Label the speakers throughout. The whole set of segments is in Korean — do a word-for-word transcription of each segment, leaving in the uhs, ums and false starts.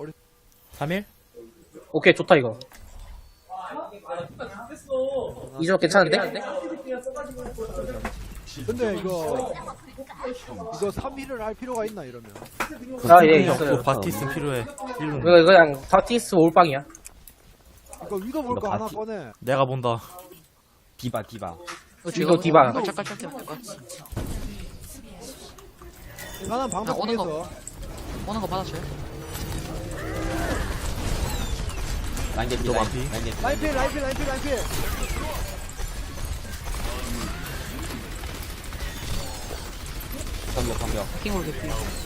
Speaker 1: 삼 일?
Speaker 2: 오케이, 좋다, 이거. 이 조합 괜찮은데?
Speaker 3: 근데 이거 이거 삼 일을 할 필요가 있나 이러면?
Speaker 2: 아, 예,
Speaker 1: 또
Speaker 2: 있어요.
Speaker 1: 바티스 필요해. 일로.
Speaker 2: 이거, 이거 그냥 다티스 올빵이야.
Speaker 3: 이거 위도 볼 거
Speaker 4: 이거
Speaker 3: 하나
Speaker 4: 바티-
Speaker 3: 꺼내.
Speaker 1: 내가 본다.
Speaker 4: 디바 디바
Speaker 2: 이거 디바.
Speaker 5: 깔짝깔짝 될것 같아.
Speaker 3: 나는
Speaker 5: 야,
Speaker 3: 방법
Speaker 5: 오는 거.
Speaker 3: 중에서
Speaker 5: 오는 거 받아줘요.
Speaker 4: 라인 개피
Speaker 1: 또
Speaker 4: 라인
Speaker 1: 반피.
Speaker 4: 라인 개피
Speaker 3: 라인필 라인필 라인필 라인필.
Speaker 4: 방벽 방벽
Speaker 5: 해킹으로 개피.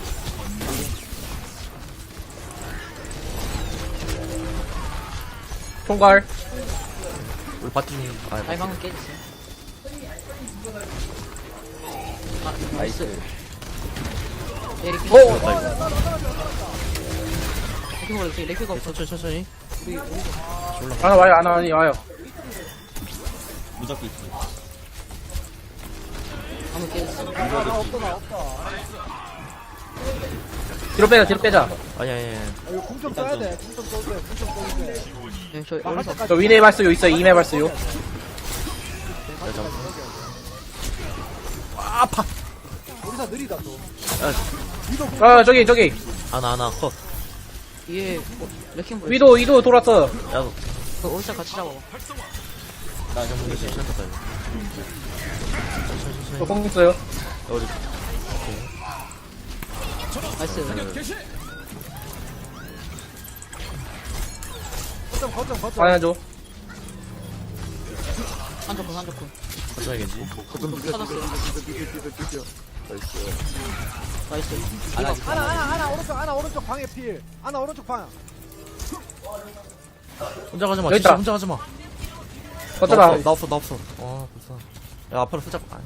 Speaker 2: 총괄.
Speaker 1: 우리 바티 좀. 아,
Speaker 5: 아이 방금 깨졌어요. 아,
Speaker 4: 나이스
Speaker 5: 에릭
Speaker 2: 오!
Speaker 5: 해킹으로 개피. 레크가 없어.
Speaker 1: 천천히, 천천히.
Speaker 5: 우리 우리
Speaker 2: 하나 와요, 하나 와요, 와요.
Speaker 4: 무적기 있지
Speaker 5: 방금 깨졌어.
Speaker 3: 아, 나 없다 나 없다.
Speaker 2: 뒤로 빼자, 뒤로 빼자.
Speaker 1: 아니, 아니, 아니.
Speaker 3: 아, 이거 궁좀 써야 돼. 궁좀 써도 돼. 궁좀 써도 돼.
Speaker 5: 네, 저
Speaker 3: 아, 할
Speaker 5: 여기서
Speaker 3: 때까지
Speaker 2: 저 위네 발수요 있어요, 이메 발수요.
Speaker 3: 우리사 느리다 또.
Speaker 1: 야,
Speaker 3: 위도 궁.
Speaker 2: 아, 저기, 저기.
Speaker 1: 하나, 하나, 컷.
Speaker 5: 위에 뭐, 레킹볼.
Speaker 2: 위도, 위도 돌았어.
Speaker 1: 야, 너.
Speaker 5: 그 올자 같이 잡아.
Speaker 4: 나 정문
Speaker 1: 이제
Speaker 4: 개피
Speaker 1: 시작했다, 이거. 천천히, 천천히.
Speaker 2: 저 공 있어요.
Speaker 1: 야, 우리.
Speaker 5: 나이스.
Speaker 3: 거점 거점 거점.
Speaker 2: 하나 줘.
Speaker 5: 한조군 한조군.
Speaker 1: 거쳐야겠지.
Speaker 5: 찾았어요. 나이스.
Speaker 4: 하나
Speaker 3: 하나 하나 하나 오른쪽 하나 오른쪽 방에 필. 하나 오른쪽 방.
Speaker 1: 혼자 가지 마.
Speaker 2: 여기
Speaker 1: 진짜
Speaker 2: 있다.
Speaker 1: 혼자 가지 마.
Speaker 2: 어쩌라.
Speaker 1: 나 없어, 나 없어, 나 없어. 아, 불쌍. 야, 앞으로 살짝. 아,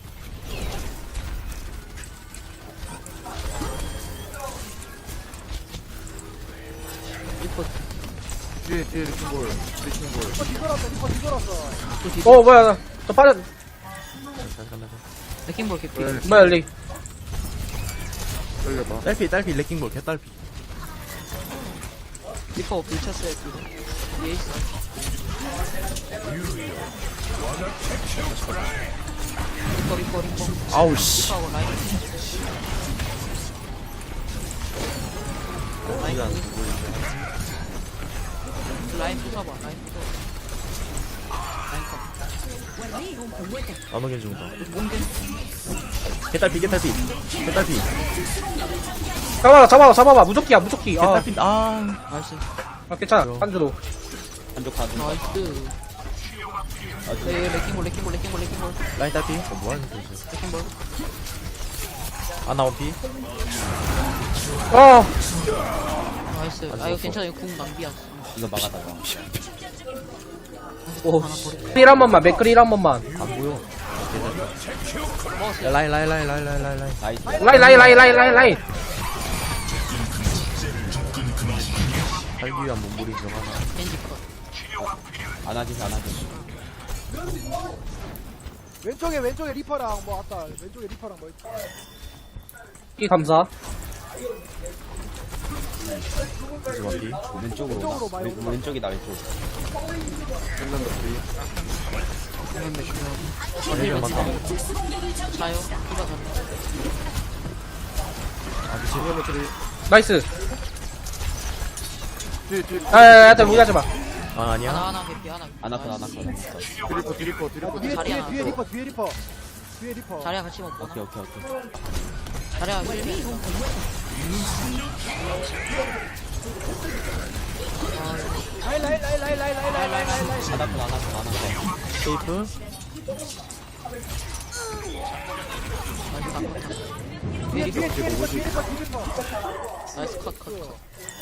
Speaker 5: 리퍼
Speaker 3: 리퍼 뒤돌았어 리퍼 뒤돌았어.
Speaker 5: 또 뒤.
Speaker 2: 어, 뭐야, 나. 저 빠져.
Speaker 1: 잘 간다.
Speaker 5: 레킹볼 개피.
Speaker 2: 뭐야, 열리.
Speaker 1: 딸피, 딸피, 레킹볼, 개딸피.
Speaker 5: 리퍼 밀쳤어요. 뒤로. 위에 있어. 리퍼 리퍼 리퍼.
Speaker 1: 아우, 씨.
Speaker 5: 리퍼하고 라인. 라인
Speaker 1: 이거 안
Speaker 5: 여기 있어. 라인 부숴봐. 라인 부숴. 라인 컷.
Speaker 1: 안 오게 준다.
Speaker 5: 몽겐.
Speaker 1: 개딸피, 개딸피. 개딸피.
Speaker 2: 잡아봐, 잡아봐, 잡아봐. 무조키야, 무조키. 아,
Speaker 1: 개딸피, 아.
Speaker 5: 나이스.
Speaker 2: 아 괜찮아. 한주도.
Speaker 4: 한쪽 가든
Speaker 5: 나이스. 네, 레킹볼 레킹볼 레킹볼 레킹볼
Speaker 1: 라인 딸피. 어, 뭐 하는 거지?
Speaker 5: 레킹볼.
Speaker 1: 아, 나 원피.
Speaker 2: 어,
Speaker 5: 나이스. 아 이거 괜찮아. 이거 궁 낭비야.
Speaker 4: 이거 막아다가
Speaker 2: 오.
Speaker 5: 하나 버려.
Speaker 2: 맥크릴 한 번만, 맥크릴 한 번만.
Speaker 1: 안 보여.
Speaker 5: 먹었어요.
Speaker 1: 야, 라인, 라인, 라인, 라인, 라인, 라인, 라인.
Speaker 4: 나이스
Speaker 2: 라인, 라인, 라인, 라인, 라인, 라인.
Speaker 1: 살기 위한 몸부림 중 하나.
Speaker 5: 겐지 컷.
Speaker 4: 안하지 안하지
Speaker 3: 왼쪽에 왼쪽에 리퍼랑 뭐 왔다. 왼쪽에 리퍼랑 뭐 있다.
Speaker 2: 이 감사.
Speaker 1: 그래서 원피.
Speaker 4: 왼쪽으로
Speaker 3: 왼쪽으로
Speaker 4: 나
Speaker 3: 많이
Speaker 4: 왼-
Speaker 3: 올라.
Speaker 4: 왼쪽이다 왼쪽
Speaker 1: 헬멧 맞다.
Speaker 5: 자요. 누가 잡나?
Speaker 1: 아, 미친.
Speaker 2: 나이스. 아, 야, 야, 야, 무리하지 마.
Speaker 1: 아, 아니야.
Speaker 5: 하나 하나 개피 하나.
Speaker 4: 안아컷 안아컷
Speaker 3: 뒤에 뒤에
Speaker 5: 자리
Speaker 3: 뒤에
Speaker 5: 하나.
Speaker 3: 뒤에 리퍼 뒤에 리퍼. 뒤에 리퍼.
Speaker 5: 자리야 같이 먹고.
Speaker 4: 오케이 오케이 오케이
Speaker 5: 자리야 개피.
Speaker 3: 라인 라인 라인 라인 라인 라인 라인 라인 라인 라인.
Speaker 4: 안아컷 안아컷 안아컷
Speaker 1: 세이프.
Speaker 3: 뒤에 뒤에 뒤에 리퍼 뒤에 리퍼 뒤에 리퍼.
Speaker 5: 나이스 컷 컷 컷.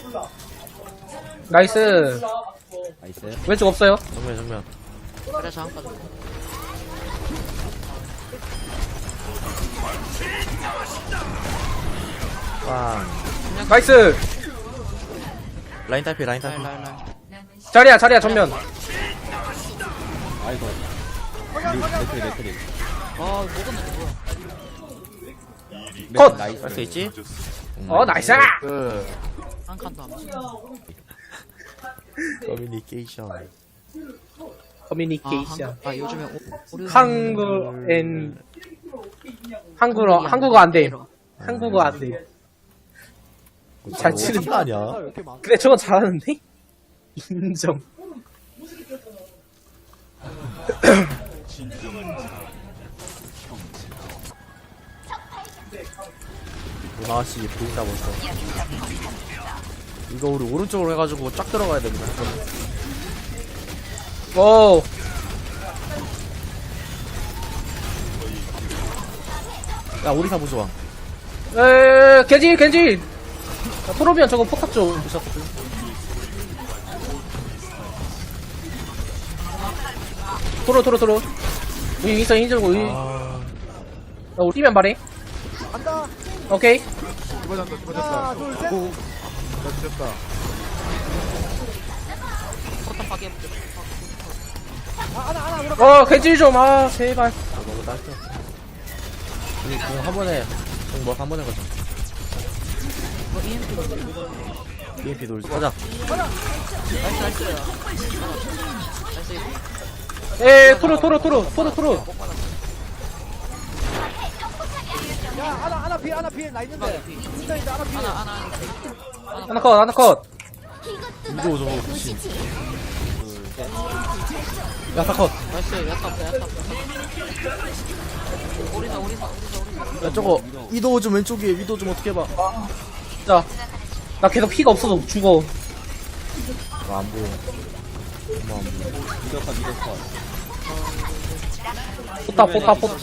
Speaker 2: 나이스.
Speaker 4: 나이스
Speaker 2: 왼쪽 없어요.
Speaker 1: 정면, 정면.
Speaker 5: 자리야 저항 빠져.
Speaker 1: 빵.
Speaker 2: 나이스.
Speaker 1: 라인 딸피, 라인 딸피.
Speaker 5: 라인 라인 라인.
Speaker 2: 자리야, 자리야, 전면.
Speaker 4: 아이고 맥크리 맥크리
Speaker 5: 아 먹었는데 뭐야?
Speaker 2: 컷!
Speaker 4: 나이스
Speaker 1: 할 수 있지?
Speaker 2: 어, 나이스.
Speaker 5: 한 칸도 안 맞아.
Speaker 1: 커뮤니케이션.
Speaker 5: 아,
Speaker 2: 커뮤니케이션.
Speaker 5: 한국, 아 요즘에 오, 오류
Speaker 2: 한국 엔 한국어 한국어 안 돼. 한국어 안 돼. 잘 치는
Speaker 1: 거 아니야?
Speaker 3: 왜 이렇게 많아?
Speaker 2: 그래 저건 잘하는데? 인정.
Speaker 1: 나씨 보인다 벌써. 이거 우리 오른쪽으로 해가지고 쫙 들어가야 됩니다.
Speaker 2: 오.
Speaker 1: 야 오리사 부좋아.
Speaker 2: 에 겐지 겐지. 야, 토로비언 저거 포탑 좀 부셨거든. 토로 토로 토로. 우리 윈서 힘들고 우리. 야
Speaker 1: 아,
Speaker 2: 우리 팀면 말해.
Speaker 3: 간다.
Speaker 2: 오케이.
Speaker 3: 집어졌다, 집어졌다. 하나, 둘, 셋. 나 뒤졌다.
Speaker 5: 포탑 파괴해볼게.
Speaker 3: 아, 하나, 하나, 들어가.
Speaker 2: 어 겐지 좀 아 제발.
Speaker 1: 아 너무 짧다. 우리 공한 번에 공뭐한 번에 가자.
Speaker 5: 이거 이엠피
Speaker 1: 비엠피 돌 가자.
Speaker 5: 나이스 나이스. 나이스.
Speaker 2: 에 토로 토로 토로 토로 토로.
Speaker 3: 야, 하나, 하나 필, 하나 필. 나 있는데. 진짜 있다, 하나 필.
Speaker 5: 하나 하나 하나.
Speaker 2: 하나 컷 하나 컷.
Speaker 1: 이거 저거 미친. 야사 컷.
Speaker 5: 나이스. 야타 없다 야타 없다. 오리사 오리사 오리사 오리사.
Speaker 1: 야 저거 위도우 좀 왼쪽에 위도우 좀 어떻게 해봐.
Speaker 2: 자. 나 계속 피가 없어서 죽어.
Speaker 1: 아, 안 보여. 엄마 안 보여.
Speaker 4: 미더컷 미더컷
Speaker 2: 포탑 포탑 포탑.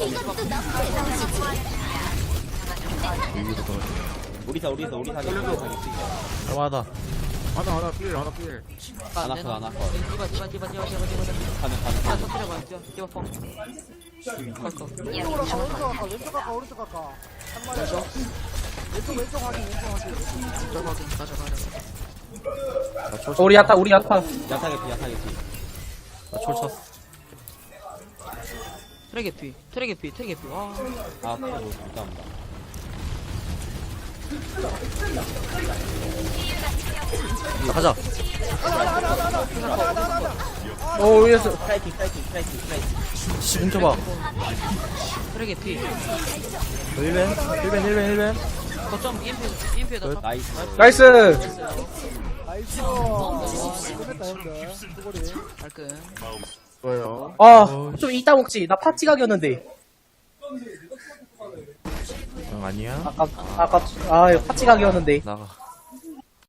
Speaker 1: 위로 떨어져.
Speaker 4: 우리사 우리사 우리사 우리사
Speaker 1: 할만하다.
Speaker 3: 하나, 하나 필, 하나 필.
Speaker 4: 하나 컷 하나 컷
Speaker 5: 디바 디바 디바 디바 디바 디바.
Speaker 4: 가면 가면
Speaker 5: 하나
Speaker 4: 가면
Speaker 5: 터뜨려봐. 디바 디바 펑. 컬커.
Speaker 3: 오른쪽으로 가, 오른쪽 갈까, 왼쪽 갈까, 오른쪽 갈까. 한 마리. 왼쪽, 왼쪽 확인, 왼쪽 확인.
Speaker 5: 저거 확인 가져 가져.
Speaker 1: 나 초,
Speaker 2: 어, 우리 야타 우리 야타.
Speaker 4: 야타게 피 야타게 피
Speaker 1: 나초 쳤어.
Speaker 5: 트랙의 피 트랙의 피 트랙의 피. 와.
Speaker 4: 아 그거 못합니다
Speaker 1: 나 가자.
Speaker 2: 어 위에서.
Speaker 4: 스트라이킹 스트라이킹 스트라이킹 스트라이킹
Speaker 1: 씨 훔쳐봐.
Speaker 5: 트랙의 피.
Speaker 1: 힐벤 힐벤 힐벤 힐벤.
Speaker 5: 거점 이엠피 이엠피에다 탑.
Speaker 4: 나이스
Speaker 2: 나이스.
Speaker 3: 나이스. 끝냈다, 형들. 수고리.
Speaker 5: 깔끔.
Speaker 3: 뭐예요?
Speaker 2: 아좀 이따 먹지. 나 파티 가격이었는데.
Speaker 1: 응 아니야.
Speaker 2: 아까 아까 아 이거 파티 가격이었는데.
Speaker 1: 나가.